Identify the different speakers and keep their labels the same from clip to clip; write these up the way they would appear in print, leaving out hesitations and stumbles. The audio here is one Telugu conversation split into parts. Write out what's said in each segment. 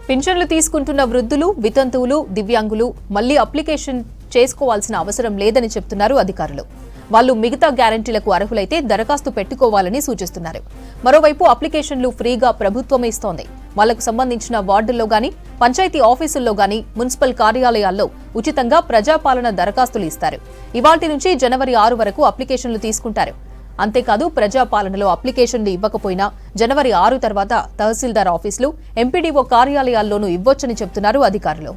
Speaker 1: పింఛన్లు తీసుకుంటున్న వృద్ధులు, వితంతువులు, దివ్యాంగులు మళ్లీ అప్లికేషన్ చేసుకోవాల్సిన అవసరం లేదని చెప్తున్నారు అధికారులు. వాళ్లు మిగతా గ్యారంటీలకు అర్హులైతే దరఖాస్తు పెట్టుకోవాలని సూచిస్తున్నారు. మరోవైపు అప్లికేషన్లు ఫ్రీగా ప్రభుత్వమే ఇస్తోంది. వాళ్లకు సంబంధించిన వార్డుల్లో గాని, పంచాయతీ ఆఫీసుల్లో గాని, మున్సిపల్ కార్యాలయాల్లో ఉచితంగా ప్రజాపాలన దరఖాస్తులు ఇస్తారు. ఇవాల్టి నుంచి జనవరి 6 వరకు అప్లికేషన్లు తీసుకుంటారు. అంతేకాదు ప్రజాపాలనలో అప్లికేషన్లు ఇవ్వకపోయినా జనవరి 6 తర్వాత తహసీల్దార్ ఆఫీసులు, ఎంపీడీఓ కార్యాలయాల్లోనూ ఇవ్వొచ్చని చెప్తున్నారు అధికారులు.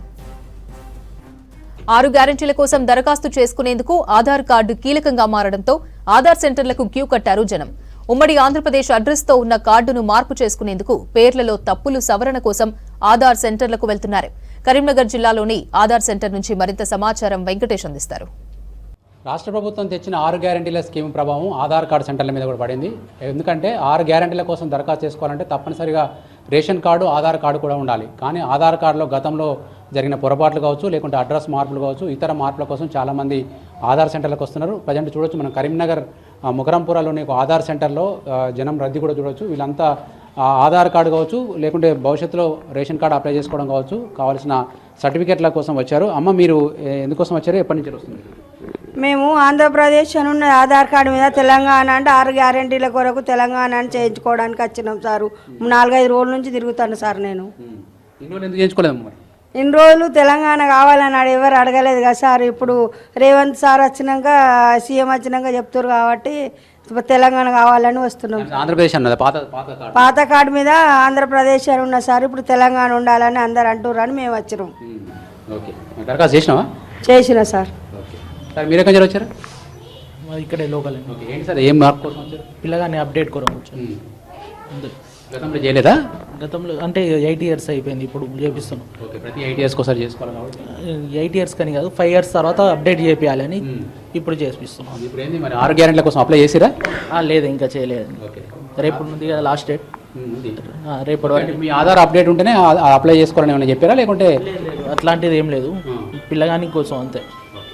Speaker 1: 6 గ్యారంటీల కోసం దరఖాస్తు చేసుకునేందుకు ఆధార్ కార్డు కీలకంగా మారడంతో ఆధార్ సెంటర్లకు క్యూ కట్టారు జనం. ఉమ్మడి ఆంధ్రప్రదేశ్ అడ్రస్తో ఉన్న కార్డును మార్పు చేసుకునేందుకు పేర్లలో తప్పులు సవరణ కోసం ఆధార్ సెంటర్లకు వెళ్తున్నారు. కరీంనగర్ జిల్లాలోని ఆధార్ సెంటర్ నుంచి మరింత సమాచారం వెంకటేష్ అందిస్తారు.
Speaker 2: రాష్ట్ర ప్రభుత్వం తెచ్చిన 6 గ్యారంటీల స్కీమ్ ప్రభావం ఆధార్ కార్డు సెంటర్ల మీద కూడా పడింది. ఎందుకంటే 6 గ్యారంటీల కోసం దరఖాస్తు చేసుకోవాలంటే తప్పనిసరిగా రేషన్ కార్డు, ఆధార్ కార్డు కూడా ఉండాలి. కానీ ఆధార్ కార్డులో గతంలో జరిగిన పొరపాట్లు కావచ్చు, లేకుంటే అడ్రస్ మార్పులు కావచ్చు, ఇతర మార్పుల కోసం చాలామంది ఆధార్ సెంటర్లకు వస్తున్నారు. ప్రజెంట్ చూడొచ్చు, మనం కరీంనగర్ ముకరంపురాలోని ఒక ఆధార్ సెంటర్లో జనం రద్దీ కూడా చూడొచ్చు. వీళ్ళంతా ఆధార్ కార్డు కావచ్చు, లేకుంటే భవిష్యత్తులో రేషన్ కార్డు అప్లై చేసుకోవడం కావచ్చు, కావాల్సిన సర్టిఫికేట్ల కోసం వచ్చారు. అమ్మ, మీరు ఎందుకోసం వచ్చారు, ఎప్పటి నుంచి వస్తుంది?
Speaker 3: మేము ఆంధ్రప్రదేశ్ అని ఉన్న ఆధార్ కార్డు మీద తెలంగాణ అంటే 6 గ్యారంటీల కొరకు తెలంగాణ అని చేయించుకోవడానికి వచ్చినాం సారు. 4-5 రోజుల నుంచి తిరుగుతాను సార్. నేను ఇన్ని రోజులు తెలంగాణ కావాలని ఎవరు అడగలేదు కదా సార్. ఇప్పుడు రేవంత్ సార్ వచ్చినాక, సీఎం వచ్చినాక చెప్తారు కాబట్టి తెలంగాణ కావాలని వస్తున్నాం.
Speaker 2: ఆంధ్రప్రదేశ్ అన్నది
Speaker 3: పాత కార్డు మీద ఆంధ్రప్రదేశ్ అని ఉన్న సార్, ఇప్పుడు తెలంగాణ ఉండాలని అందరు అంటుర్రు అని మేము వచ్చినాం. చేసిన సార్.
Speaker 2: మీరు ఎక్కడి నుంచి వచ్చారు?
Speaker 4: ఇక్కడే లోకల్.
Speaker 2: ఏంటి సార్, ఏం మార్పు కోసం వచ్చారు?
Speaker 4: పిల్లగాని అప్డేట్ కొరకు వచ్చాను.
Speaker 2: గతంలో చేయలేదా?
Speaker 4: గతంలో అంటే 8 years అయిపోయింది, ఇప్పుడు చేపిస్తున్నాం.
Speaker 2: ప్రతి 8 years ఒకసారి చేసుకోవాలి కాబట్టి
Speaker 4: 8 years కని కాదు, 5 years తర్వాత అప్డేట్ చేయాలి అని ఇప్పుడు చేపిస్తున్నాం.
Speaker 2: ఇప్పుడు ఏంది మరి 6 గ్యారెంటీల కోసం అప్లై చేసిరా?
Speaker 4: లేదు, ఇంకా చేయలేదు. రేపు ఉంది కదా లాస్ట్ డేట్. రేపటి వరకు
Speaker 2: మీ ఆధార్ అప్డేట్ ఉంటేనే అప్లై చేసుకోవాలని ఏమైనా చెప్పారా, లేకుంటే
Speaker 4: అట్లాంటిది ఏం లేదు, పిల్లగాని కోసం అంతే.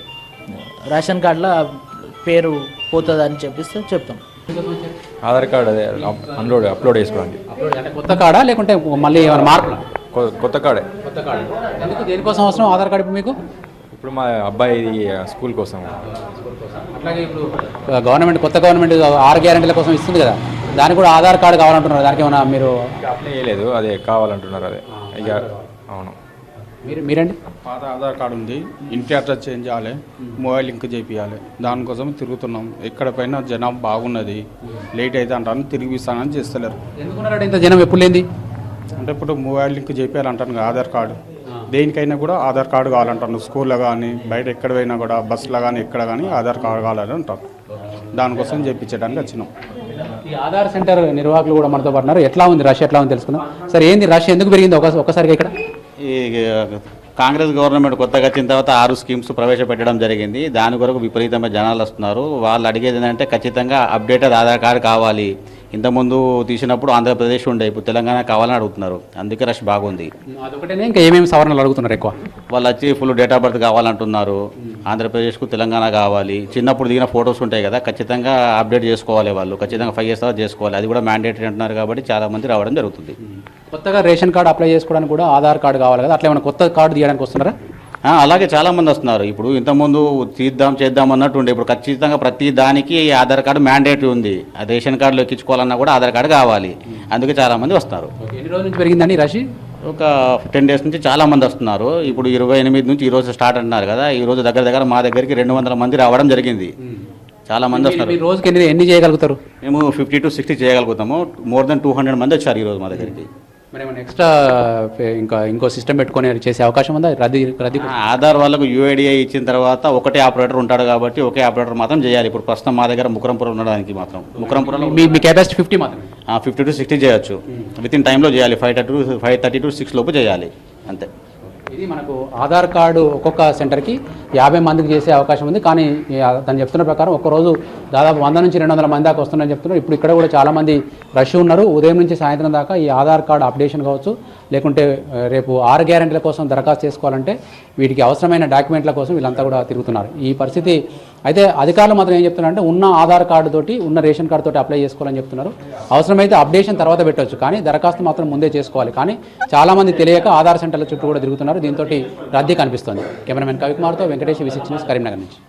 Speaker 4: రేషన్ కార్డులో పేరు పోతుంది అని చెప్పిస్తే చెప్తాం.
Speaker 5: ఆధార్ కార్డు అదే అప్లోడ్ చేసుకోండి.
Speaker 2: కొత్త కార్డా లేకుంటే మళ్ళీ ఏమైనా మార్పులా?
Speaker 5: కొత్త కార్డే.
Speaker 2: కొత్త కార్డు ఎందుకు, దేనికోసం అవసరం ఆధార్ కార్డు మీకు?
Speaker 5: ఇప్పుడు మా అబ్బాయి స్కూల్ కోసం.
Speaker 2: అట్లాగే ఇప్పుడు కొత్త గవర్నమెంట్ 6 గ్యారెంటీల కోసం ఇస్తుంది కదా, దానికి కూడా ఆధార్ కార్డు కావాలంటున్నారు. దానికి ఏమైనా మీరు
Speaker 5: అప్లై చేయలేదు, అదే కావాలంటున్నారు. అదే ఇక అవును.
Speaker 2: మీరండి?
Speaker 6: పాత ఆధార్ కార్డు ఉంది, ఇంటి అడ్రస్ చేంజ్ చేయాలి, మొబైల్ లింక్ చేయించాలి. దానికోసం తిరుగుతున్నాం. ఎక్కడ పైన జనం బాగున్నది, లేట్ అయితే అంటాను, తిరిగిస్తానని చేస్తలేరు.
Speaker 2: ఎందుకున్నారంటే ఇంత జనం ఎప్పుడు లేని?
Speaker 6: అంటే ఇప్పుడు మొబైల్ లింక్ చేయించాలంటాను కదా, ఆధార్ కార్డు. దేనికైనా కూడా ఆధార్ కార్డు కావాలంటాను. స్కూల్లో కానీ, బయట ఎక్కడ పోయినా కూడా, బస్సులో కానీ, ఎక్కడ కానీ ఆధార్ కార్డు కావాలని అంటారు. దానికోసం చేయించడానికి వచ్చినాం.
Speaker 2: ఈ ఆధార్ సెంటర్ నిర్వాహకులు కూడా మనతో పడుతున్నారు. ఎట్లా ఉంది రష్, ఎట్లా ఉంది తెలుసుకుందాం. సరే, ఏంది రష్ ఎందుకు పెరిగింది ఒక్కసారిగా ఇక్కడ?
Speaker 7: ఈ కాంగ్రెస్ గవర్నమెంట్ కొత్తగా వచ్చిన తర్వాత 6 స్కీమ్స్ ప్రవేశపెట్టడం జరిగింది. దాని కొరకు విపరీతమైన జనాలు వస్తున్నారు. వాళ్ళు అడిగేది ఏంటంటే ఖచ్చితంగా అప్డేటెడ్ ఆధార్ కార్డు కావాలి. ఇంతకుముందు తీసినప్పుడు ఆంధ్రప్రదేశ్ ఉండే, ఇప్పుడు తెలంగాణ కావాలని అడుగుతున్నారు. అందుకే రష్ బాగుంది.
Speaker 2: అదొకటేనే, ఇంకా ఏమేమి సవరణలు అడుగుతున్నారు ఎక్కువ?
Speaker 7: వాళ్ళు వచ్చి ఫుల్ డేట్ ఆఫ్ బర్త్ కావాలంటున్నారు. ఆంధ్రప్రదేశ్కు తెలంగాణ కావాలి. చిన్నప్పుడు దిగిన ఫొటోస్ ఉంటాయి కదా, ఖచ్చితంగా అప్డేట్ చేసుకోవాలి. వాళ్ళు ఖచ్చితంగా 5 years తర్వాత చేసుకోవాలి. అది కూడా మ్యాండేటరీ అంటున్నారు కాబట్టి చాలా మంది రావడం జరుగుతుంది.
Speaker 2: కొత్తగా రేషన్ కార్డు అప్లై చేసుకోవడానికి కూడా ఆధార్ కార్డు కావాలి కదా, అట్లా ఏమైనా కొత్త కార్డు తీయడానికి వస్తున్నారా?
Speaker 7: అలాగే చాలామంది వస్తున్నారు. ఇప్పుడు ఇంతకుముందు చేద్దాం అన్నట్టు ఉండే, ఇప్పుడు ఖచ్చితంగా ప్రతి దానికి ఆధార్ కార్డు మ్యాండేటరీ ఉంది. రేషన్ కార్డులో ఎక్కించుకోవాలన్నా కూడా ఆధార్ కార్డు కావాలి. అందుకే చాలామంది వస్తున్నారు.
Speaker 2: ఎన్ని రోజుల నుంచి పెరిగిందండి రష్?
Speaker 7: ఒక 10 days నుంచి చాలామంది వస్తున్నారు. ఇప్పుడు 28 నుంచి ఈరోజు స్టార్ట్ అంటున్నారు కదా, ఈరోజు దగ్గర మా దగ్గరికి 200 మంది రావడం జరిగింది. చాలా మంది వస్తున్నారు.
Speaker 2: రోజుకి ఎన్ని చేయగలుగుతారు?
Speaker 7: మేము 50 to 60 చేయగలుగుతాము. మోర్ దెన్ 200 మంది వచ్చారు ఈరోజు మా దగ్గరికి.
Speaker 2: మరి ఏమైనా ఎక్స్ట్రా ఇంకో సిస్టమ్ పెట్టుకొని చేసే అవకాశం ఉందా? రద్దీ
Speaker 7: ఆధార్ వాళ్ళకు యూఐడిఐ ఇచ్చిన తర్వాత ఒకటే ఆపరేటర్ ఉంటాడు కాబట్టి ఒకే ఆపరేటర్ మాత్రం చేయాలి. ఇప్పుడు ప్రస్తుతం మా దగ్గర ముకరంపురం ఉండడానికి మాత్రం ముకరంపురంలో
Speaker 2: మీ కెపాసిటీ 50 మాత్రం.
Speaker 7: 50 to 60 చేయొచ్చు. విత్ ఇన్ టైంలో చేయాలి. 5:30 to 6 లోపు చేయాలి అంతే.
Speaker 2: ఇది మనకు ఆధార్ కార్డు ఒక్కొక్క సెంటర్కి 50 మందికి చేసే అవకాశం ఉంది. కానీ తను చెప్తున్న ప్రకారం ఒక్కరోజు దాదాపు 100 నుంచి 200 మంది దాకా వస్తున్నారని చెప్తున్నారు. ఇప్పుడు ఇక్కడ కూడా చాలామంది రష్ ఉన్నారు. ఉదయం నుంచి సాయంత్రం దాకా ఈ ఆధార్ కార్డు అప్డేషన్ కావచ్చు, లేకుంటే రేపు 6 గ్యారెంటీల కోసం దరఖాస్తు చేసుకోవాలంటే వీటికి అవసరమైన డాక్యుమెంట్ల కోసం వీళ్ళంతా కూడా తిరుగుతున్నారు. ఈ పరిస్థితి అయితే అధికారులు మాత్రం ఏం చెప్తున్నారంటే ఉన్న ఆధార్ కార్డు తోటి, ఉన్న రేషన్ కార్డు తోటి అప్లై చేసుకోవాలని చెప్తున్నారు. అవసరమైతే అప్డేషన్ తర్వాత పెట్టవచ్చు, కానీ దరఖాస్తు మాత్రం ముందే చేసుకోవాలి. కానీ చాలామంది తెలియక ఆధార్ సెంటర్ల చుట్టూ కూడా తిరుగుతున్నారు. దీంతో రద్దీ కనిపిస్తుంది. కెమెరామెన్ కవికుమార్తో వెంకటేష్, V6 న్యూస్, కరీంనగర్ నుంచి.